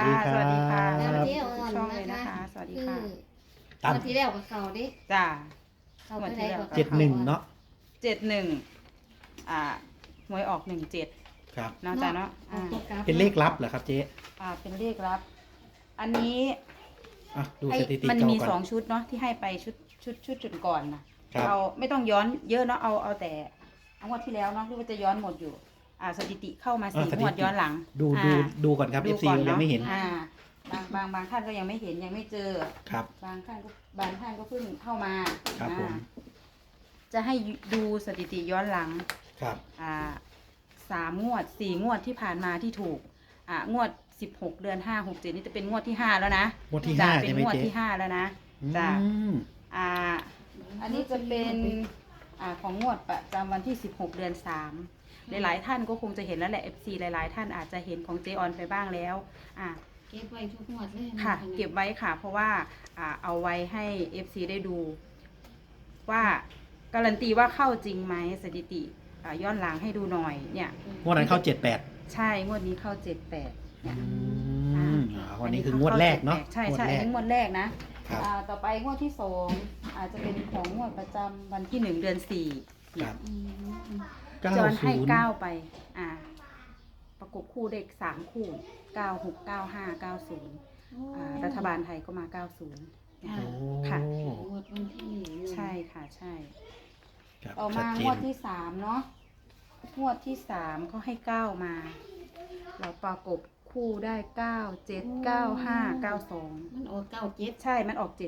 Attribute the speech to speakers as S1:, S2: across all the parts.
S1: ดีค
S2: ส
S1: รั
S2: วัสดีค่ะ
S1: บ
S2: สวัสดี
S3: เจ๊อ่อน
S2: ช่องเลย
S3: นะ
S2: นะคะ คะ สวัสดีค่ะ
S1: ตาม
S3: วันที่แล้วกับเขาดิ
S2: จ้า
S3: เขาไปไหนกับ
S1: 71เนาะ
S2: 71หวยออก17
S1: ครับ
S2: เนาะจ้าเนาะ
S1: เป็นเลขลับเหรอครับเจ๊
S2: เป็นเลขลับ อันนี้
S1: อ่ะดู
S2: ไอ้
S1: สถิติ
S2: มัน
S1: เก่า
S2: มี
S1: ก่
S2: ส
S1: อ
S2: อน งชุดเนาะที่ให้ไปชุดจุดก่อนนะครับ เอาไม่ต้องย้อนเยอะเนาะเอาแต่งวดที่แล้วเนาะหรือว่าจะย้อนหมดอยู่สถิติเข้ามา4 งวดย้อนหลัง
S1: ดูก่อนครับ
S2: ดู
S1: FC
S2: ก่อน
S1: ยังไม่เห็น
S2: บางท่านก็ยังไม่เห็นยังไม่เจอ
S1: ครับ
S2: บางท่านก็เพิ่งเข้ามา
S1: ครับผม
S2: จะให้ดูสถิติย้อนหลัง
S1: ครับ
S2: 3 งวด 4 งวดที่ผ่านมาที่ถูกงวด16 เดือน 5 6 7นี่จะเป็นงวดที่ 5 แล้วนะ
S1: งวดที่
S2: จ้ะ
S1: 5
S2: เป็
S1: ใช่
S2: น
S1: ไหม
S2: งวด
S1: เจ๊
S2: ที่ 5 แล้วนะจ้ะ
S1: อืม
S2: อันนี้จะเป็นของงวดประจำวันที่ 16 เดือน 3 หลายๆท่านก็คงจะเห็นแล้วแหละ FC หลายๆท่านอาจจะเห็นของเจออนไปบ้างแล้ว
S3: เก็บไว้ทุกงวดเลย
S2: ค่ะ เก็บไว้ค่ะ เพราะว่าเอาไว้ให้ FC ได้ดู ว่าการันตีว่าเข้าจริงไหมสถิติย้อนหลังให้ดูหน่อยเนี่ย
S1: งวดนั้นเข้า 78
S2: ใช่ งวดนี้เข้า 78เนี่ย
S1: วันนี้คืองวดแรกเนาะ
S2: ใช่
S1: งวด
S2: ใช่
S1: แร
S2: อัน
S1: ก
S2: นี้งวดแรกนะครับ ต่อไปงวดที่2อาจจะเป็นของงวดประจำวันที่1 เดือน 4เนี่
S1: ครั
S2: ย
S1: บ
S2: จอนให้
S1: 90
S2: 9ไปประกบคู่เด็ก3 คู่ 96 95 90รัฐบาลไทยก็มา 90เนี่ย
S1: โอ้
S2: ค่ะ
S3: งวดวันที่
S2: ใช่ค่ะใช่
S1: ครับ
S2: ต่อ
S1: ชั
S2: มา
S1: ดเจ
S2: งวน ดที่3เนาะงวดที่3เขาให้9มา เราประกบคู่ได้ 9 7 9 5 9 2
S3: มันออก97
S2: ใช่มันออก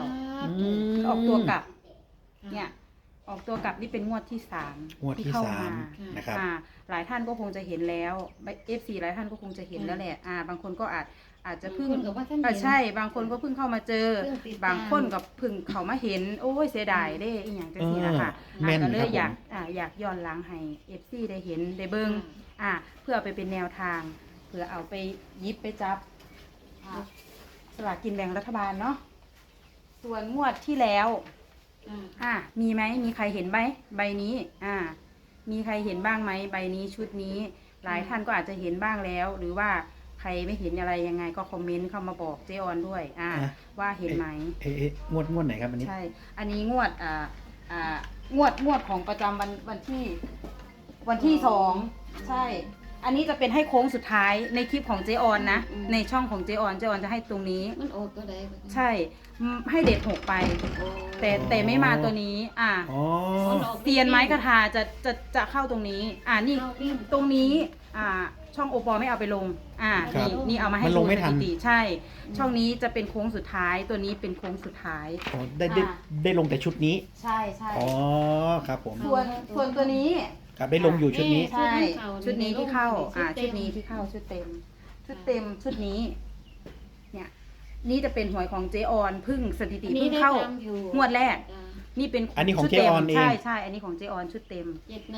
S2: 79
S1: อืม
S2: ออกตัวกลับเนี่ยออกตัวกลับนี่เป็นงวดที่
S1: งวดที่
S2: เข้ามา
S1: 3นะครับ
S2: หลายท่านก็คงจะเห็นแล้ว FC หลายท่านก็คงจะเห็นแล้วแหละบางคนก็อาจจะเพิ่ง
S3: กับว่าท่าน
S2: ใช่บางคนก็เพิ่งเข้ามาเจอ บางคนกับเพิ่งเขามาเห็นโอ้ยเสียดายเด้อีหยังจังซี่ล่ะค่ะ
S1: แม่น
S2: ก็เล
S1: ครั
S2: ย
S1: บ
S2: อยากย้อนหลังให้ FC ได้เห็นได้เบิ่งเพื่อเอาไปเป็นแนวทางเพื่อเอาไปหยิบไปจับสลากกินแบ่งรัฐบาลเนาะส่วนงวดที่แล้วมีไหมมีใครเห็นไหมใบนี้มีใครเห็นบ้างไหมใบนี้ชุดนี้ หลายท่านก็อาจจะเห็นบ้างแล้ว หรือว่าใครไม่เห็นอะไรยังไงก็คอมเมนต์เข้ามาบอกเจออนด้วยว่าเห็นไหม
S1: งวดไหนครับอันนี้
S2: ใช่ อันนี้งวดงวดของประจำวันที่2ใช่ อันนี้จะเป็นให้โค้งสุดท้ายในคลิปของเจออนนะในช่องของเจออนจะให้ตรงนี้
S3: มันออกตัวใด
S2: ใช่ให้เด็ด6ไป แต่ไม่มาตัวนี้
S1: อ๋อ
S2: เตียนไม้คาถาจะเข้าตรงนี้นี่ตรงนี้ช่องโอปอไม่เอาไปลงนี่เอามาให้
S1: มันลงไม่ทัน
S2: สถิติใช่ ช่องนี้จะเป็นโค้งสุดท้ายตัวนี้เป็นโค้งสุดท้าย
S1: อ๋อได้ลงแต่ชุดนี้
S2: ใช่ใช่
S1: อ๋อครับผม
S2: ส่วนตัวนี้
S1: ครับได้ลงอยู่ชุดนี้
S2: ใช่ชุดนี้ที่เข้าชุดนี้ที่เข้าชุดเต็มชุดนี้เนี่ยนี่จะเป็นหวยของเจออนพึ่งสถิติเพิ่งเข้างวดแรก นี่เป็น
S1: อันนี้ของ
S2: ชุด
S1: เจออนเอง
S2: ใช่อันนี้ของเจออนชุดเต็ม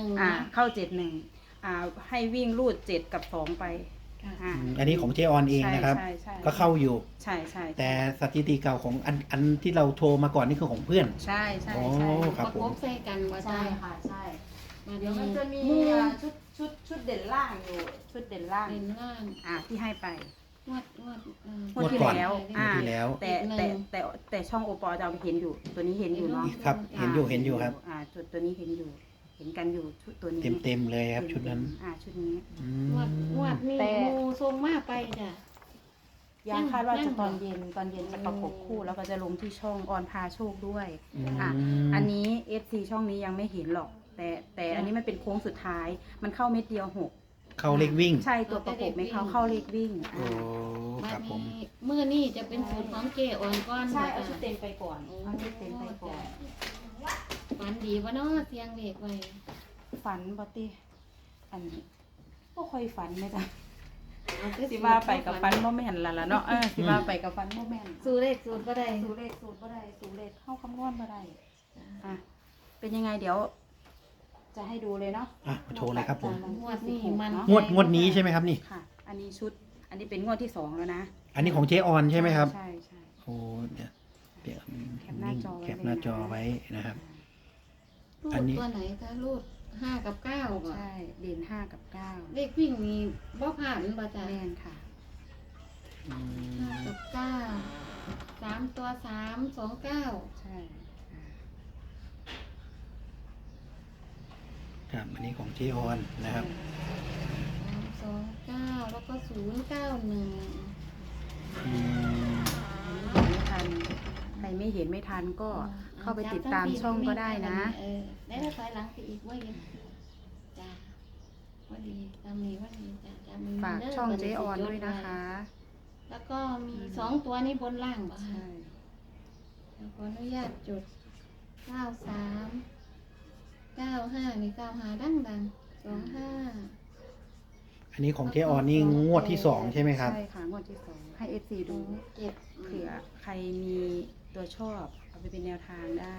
S3: 71
S2: เข้า71ให้วิ่งรูด7กับ2ไป
S1: อันนี้ของเจออนเองนะครับ
S2: ใช่ใช่
S1: ก็เข้าอยู่
S2: ใช่ใช่
S1: แต่สถิติเก่าของอันที่เราโทรมาก่อนนี่คือของเพื่อน
S2: ใช่ใช่
S1: อ๋อ
S2: ใช่
S1: ครับ
S3: ประกบใส่กันว่า
S2: ใช่ค่ะใช่เดี๋ยว
S3: มั
S2: มัน น
S3: จะ
S2: จะ
S3: มี
S2: มีชุดเด่นล่างอยู่ชุดเด่นล่าง
S3: เป็นล่าง
S2: ที่ให้ไป
S3: งวด
S2: งวดที่
S1: ก่อน
S2: แล้ว
S1: งวดที่แล้ว
S2: แต่ช่องโอปอจะเอาไปเห็นอยู่ ตัวนี้เห็นอยู่เนาะ
S1: ครับ เห็นอยู่ครับ
S2: จุดตัวนี้เห็นอยู่ เห็นกันอยู่ชุดตัวนี้
S1: เต็มเลยครับชุดนั้น
S2: ชุดนี้
S1: อื
S3: งว
S1: ม
S3: ดนี่มูทรงมาไปจ้ะ
S2: ยังคาดว่าจะตอนเย็นจะประกบคู่แล้วก็จะลงที่ช่องออนพาโชคด้วยอันนี้ FC ช่องนี้ยังไม่เห็นหรอก แต่อันนี้มันเป็นโค้งสุดท้าย มันเข้าเม็ดเดียว6
S1: เข้าเลขวิ่ง
S2: ใช่ตัวประกบไม่เข้าเลขวิ่ง
S1: โอ้ครับผม
S3: มื้อนี้จะเป็นสูตรของเจอ่อนก่อน
S2: ใช่เอาชุดเต็มไปก่อนเอาชุดเต็มไปก่อน
S3: ฝันดีบ่เนาะเสียงเด็กไว้
S2: ฝันบอตี้อันนี้ก็ค่อยฝันไหมจ๊ะ
S3: เอาคือ
S2: สิว่าไปกับฟันโมแม่นละเนาะสิว่าไปกับฟันโมแม่น
S3: สูตรเลขสูตรบ่ได้
S2: สูเลขสูตรบ่ได้สูเลขเข้าคำนวณบ่ได้เป็นยังไงเดี๋ยว จะให้ดูเลยเนาะ
S1: โชว์เลยครับผม
S3: งวดนี้มัน
S1: งวดนี้ใช่ไหมครับนี่
S2: ค่ะ อันนี้อันนี้เป็นงวดที่2แล้วนะ
S1: อันนี้ของเจออนใช่ไหมครับ
S2: ใช่
S1: โอ้เดี๋ยว
S2: แคปหน้าจอไว้
S1: แคปหน้าจอไว้นะครับ
S3: รู
S1: อัน
S3: ด
S1: นี้
S3: ตัวไหนคะรูด5กับ9บ่
S2: ใช่เด่น5กับ9
S3: เลขวิ่งนี่บ่ผ่านบ่จ้ะ
S2: แม่นค่ะ
S1: งอื
S3: ห้าม กับเก้า3 ตัว329
S2: ใช่อ่า
S1: ครับอันนี้ของเจออนนะครับ
S3: 329แล้วก็091
S1: อืม
S2: ไม่ทันใครไม่เห็นไม่ทันก็เข้าไปติดตามช่องก็ได้นะ
S3: ได้แล้วถอยหลังไปอีกว่ายังจ้าว่าดีตามนี้ว่าดีจ้าตามนี้
S2: ฝาก
S3: เด้
S2: ช่อง
S3: บั
S2: เจออนด้วยนะคะ
S3: แล้วก็มี2 ตัวนี้บนล่างป่ะ
S2: ใช่
S3: ขออนุญาตจุด93 95นี่95ดัง25
S1: อันนี้ของเจออนนี่งวดที่สองใช่ไหมครับ
S2: ใช่ค่ะงวดที่2ให้ FC ดู
S3: 27
S2: เผื่อใครมีตัวชอบเอาไปเป็นแนวทางได้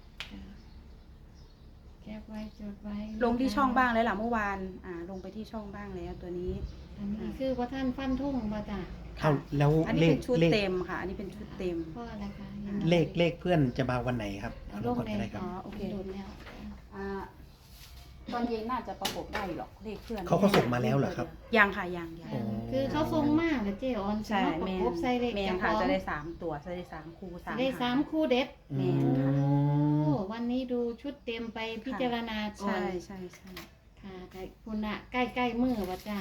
S3: แคปไว้จดไว้
S2: ลงที่ช่องบ้างแล้วล่ะเมื่อวานลงไปที่ช่องบ้างแล้วตัวนี้
S3: อันนี้คือว่าท่านฟันทุ่งมาจ้ะ
S1: เอาแล้ว
S2: อันนี้
S1: เล
S2: เป็
S1: ข
S2: นชุด
S1: เลข
S2: เต็มค่ะ อันนี้เป็นชุดเต็ม
S3: เพราะอะไรคะ
S1: เลขเพื่อนจะมาวันไหนครับ
S3: เอา
S1: ล
S3: ล
S1: ง
S3: ง
S1: ก่อน
S3: ใน
S1: ก็ได้ครับ
S2: อ๋อโอเค
S3: โดนแล้ว
S2: อ่าตอนเย็นน่าจะประกบได้หรอกเลขเพื่อน
S1: เขาก็ส่งมาแล้วเหรอครับ
S2: ยังค่ะยัง
S1: โอ้
S3: คือเขาทรงมากเลยเจออน
S2: ใช่
S3: ประ
S2: แม
S3: ก
S2: น
S3: บใส่เลข
S2: แมน
S3: เจ้าข
S2: ค่ะ
S3: อง
S2: จะได้3 ตัวจะได้3คู่3
S3: ได้
S2: หาง
S3: 3 คู่เด็ด
S2: แม่นค่ะ
S3: โอ้วันนี้ดูชุดเต็มไปพิจารณาก่อ
S2: ใช่
S3: น
S2: ใช่ใช่
S3: ค่ะใกล้คุณอะใกล้มือว่าจ้าก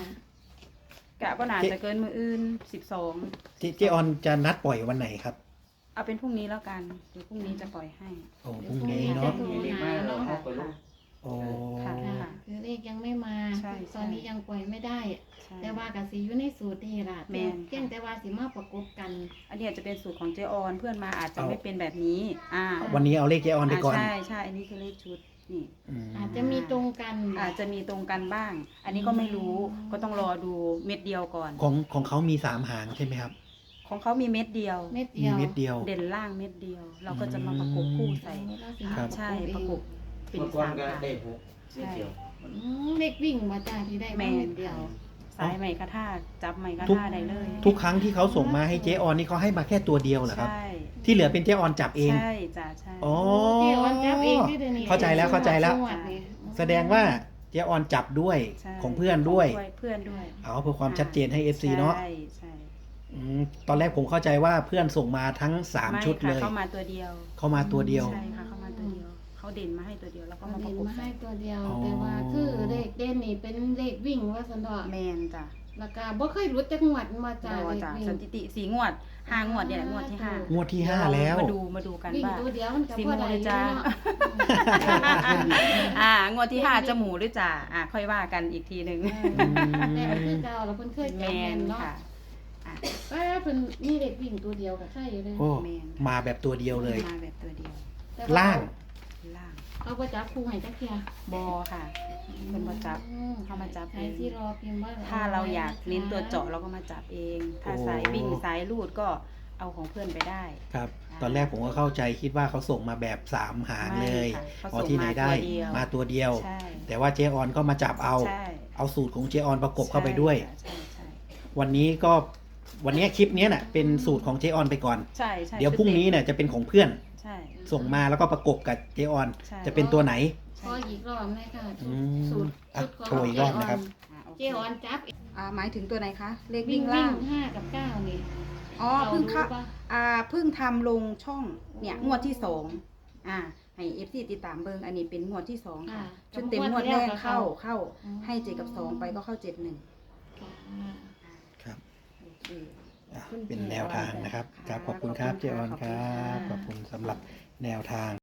S2: ะก็น่าจะเกินมืออื่น12
S1: เจออนจะนัดปล่อยวันไหนครับ
S2: เอาเป็นพรุ่งนี้แล้วกันเดี๋ยวพรุ่งนี้จะปล่อยให้
S1: โอ้พรุ่งนี้เนาะ
S3: โทรหาเนาะ
S2: ค่ะ
S1: โอ้
S2: ค่ะ
S3: ค่ะคือเลขยังไม่มา
S2: ใช่
S3: ตอนนี้ยังปล่อยไม่ได้
S2: ใช่
S3: แต่ว่ากับสีอยู่ในสูตรนี่ล่ะ
S2: แม่น
S3: เพียงแต่ว่าสิมาประกบกัน
S2: อันนี้อาจจะเป็นสูตรของเจออนเพื่อนมาอาจจะไม่เป็นแบบนี้
S1: วันนี้เอาเลขเจออนไปก่อน
S2: ใช่ใช่อันนี้คือเลขชุดนี่
S1: ม
S3: อาจจะมีตรงกัน
S2: อาจจะมีตรงกันบ้าง อันนี้ก็ไม่รู้ก็ต้องรอดูเม็ดเดียวก่อน
S1: ของเขามี3 หางใช่ไหมครับ
S2: ของเขามีเม็ดเดียว
S3: เม็ด
S1: มี
S3: เดียว
S1: เม็ดเดียว
S2: เด่นล่างเม็ดเดียว เราก็จะมาประกบคู่ใส่
S1: ครับ
S2: ใช่ประกบเป็น
S4: เมื่อก่อน
S2: 3
S4: ก็
S2: หาง
S4: ได้หกเม็ดเดียว
S3: เลขวิ่งมาจ้าที่ได้
S2: แม่
S3: มาน เม็ดเดียว
S2: สายไหมกระท่าจับไหมกระ
S1: ทุก
S2: ท่าได้เลย
S1: ทุกครั้งที่เขาส่งมาให้เจออนนี่เขาให้มาแค่ตัวเดียวเหรอครับ
S2: ใช่
S1: ที่เหลือเป็นเจออนจับเอง
S2: ใช่จ้ะใช่
S1: อ๋อ
S3: เดี๋ยววันจับเองที่เดี๋ยวนี้
S1: เข้าใจแล้วเข้าใจแล้ว
S3: จังหดนี่
S1: แสดงว่าเจออนจับด้วย
S2: ใช่
S1: ของเพื่อนด้วย
S2: เพื่อนด้วย
S1: เอาเพื่อความชัดเจนให้ FC เนาะ
S2: ใช่ใช่
S1: ตอนแรกผมเข้าใจว่าเพื่อนส่งมาทั้ง
S2: ไม่
S1: 3 ชุด
S2: ค่ะ
S1: เลย
S2: เข้ามาตัวเดียว
S1: เข้ามาตัวเดียว
S2: ใช่ค่ะเข้ามาตัวเดียวเขาเด่นมาให้ตัวเดียวแล้วก็
S3: เอา
S2: มาป
S3: เด่
S2: ระ
S3: น
S2: กบ
S3: มา
S2: ใส่
S3: ให้ตัวเดียว
S1: อ๋อ
S3: แต่ว่าคือเลขเด่นนี่เป็นเลขวิ่งว่าสันดอก
S2: แมนจ้ะ
S3: แล้วก็บ่เคยรู้จักงหวัดมาจ้า
S2: เรา
S3: เลข
S2: จ้ะ
S3: วิ่ง
S2: สถิติ4 งวด 5 งวดเนี่ยแหละงวดที่ 5
S1: งวดที่ 5 แล้ว
S2: มาดูกัน
S3: วิ่ง
S2: ว่า
S3: ตัวเดียวมันก็
S2: สิ
S3: พอ
S2: หมู
S3: ได้
S2: หรือจ้า
S3: เนาะ
S2: งวดที่ 5 จะหมูหรือจ่าค่อยว่ากันอีกทีหนึ่ง
S3: แต่คือเก่าแล้วเพิ่นเคย
S2: แม
S3: จับแม่
S2: น
S3: นเนาะ
S2: ค่ะ
S3: ป้าเพิ่นมีเลขวิ่งตัวเดียวก็ใช่อยู่เลย
S1: โอ้
S2: แมน
S1: มาแบบตัวเดียวเลย
S2: มาแบบตัวเดียว
S3: แต่ว่
S1: ล่าง
S2: ล่าง
S3: เขาบ่จับคู่ให้จักเที่ย
S2: บอค่ะเป็นบ่จับ เข้ามาจับ
S3: ใครที่รอพิมพ์ว่า
S2: ถ้าเราอยากเน้นตัวเจาะเราก็มาจับเอง ถ้า
S1: โอ้
S2: สายวิ่งสายลูดก็เอาของเพื่อนไปได้
S1: ครับ ตอนแรกผมก็เข้าใจคิดว่าเขาส่งมาแบบ 3 หางเลย
S2: ไม่ค่ะ
S1: พอที่ไหนได้ มาตัวเดียว
S2: ใช่
S1: แต่ว่าเจออนก็มาจับเอา
S2: ใช่
S1: เอาสูตรของเจออนประกบเข้าไปด้วย
S2: ใช่ใช่
S1: วันนี้คลิปเนี้ยน่ะเป็นสูตรของเจออนไปก่อน
S2: ใช่ใช่
S1: เดี๋ยวพรุ่งนี้เนี่ยจะเป็นของเพื่อน
S2: ใช่
S1: ส่งมาแล้วก็ประกบกับเจออน
S2: ใช่
S1: จะเป็นตัวไหน
S3: ขออีกรอบเลยค่ะ
S1: อืม
S3: สูตร
S1: อ่ะ
S3: ของ
S1: โชว์อีกรอบนะครับ
S2: โอ
S3: เจ
S2: เค
S3: ออนจับ
S2: หมายถึงตัวไหนคะ เลข
S3: วิ่
S2: วิ่
S3: ง
S2: ง
S3: ล่า
S2: ล่าง ง
S3: 5 กับ 9 นี่
S2: อ๋อเพิ่งเข้า
S3: รารู้ปะ
S2: เพิ่งทำลงช่องเนี่ยงวดที่2ให้เอฟซีติดตามเบิงอันนี้เป็นงวดที่2ค่ะชุดเต็มงวดแรกเข้าให้7กับ2ไปก็เข้า7-1
S1: ครับ
S2: โอเค
S1: อ่ะเป็นแนวทางนะครับ ครับขอบคุณครับเจออนครับ ขอบคุณสำหรับแนวทาง